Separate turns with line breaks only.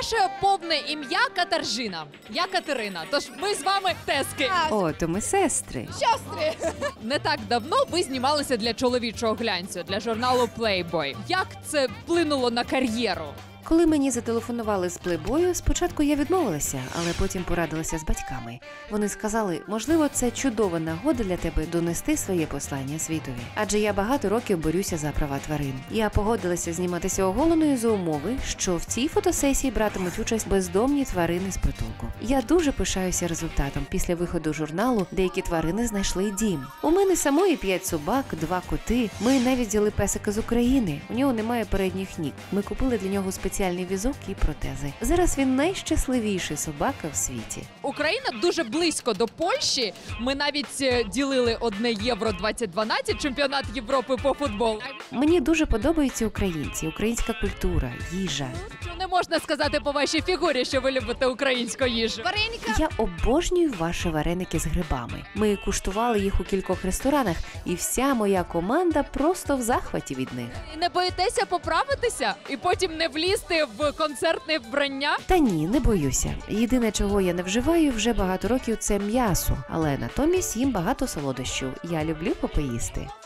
Ваше повне ім'я Катаржина. Я Катерина, тож ми з вами тески.
О, то ми сестри.
Не так давно ви знімалися для чоловічого глянцю, для журналу Playboy. Як це вплинуло на кар'єру?
Коли мені зателефонували з плейбою, спочатку я відмовилася, але потім порадилася з батьками. Вони сказали, можливо, це чудова нагода для тебе донести своє послання світові. Адже я багато років борюся за права тварин. Я погодилася зніматися оголеною за умови, що в цій фотосесії братимуть участь бездомні тварини з притулку. Я дуже пишаюся результатом. Після виходу журналу деякі тварини знайшли дім. У мене самої 5 собак, 2 коти. Ми навіть взяли песика з України. У нього немає передніх ніг. Ми купили для нього спеціальний візок і протези. Зараз він найщасливіший собака в світі.
Україна дуже близько до Польщі. Ми навіть ділили одне Євро 2012, чемпіонат Європи по футболу.
Мені дуже подобаються українці, українська культура, їжа.
Що не можна сказати по вашій фігурі, що ви любите українську їжу?
Я обожнюю ваші вареники з грибами. Ми куштували їх у кількох ресторанах, і вся моя команда просто в захваті від них.
І не боїтеся поправитися і потім не влізти в концертне вбрання?
Та ні, не боюся. Єдине, чого я не вживаю вже багато років, це м'ясо. Але натомість їм багато солодощів. Я люблю попоїсти.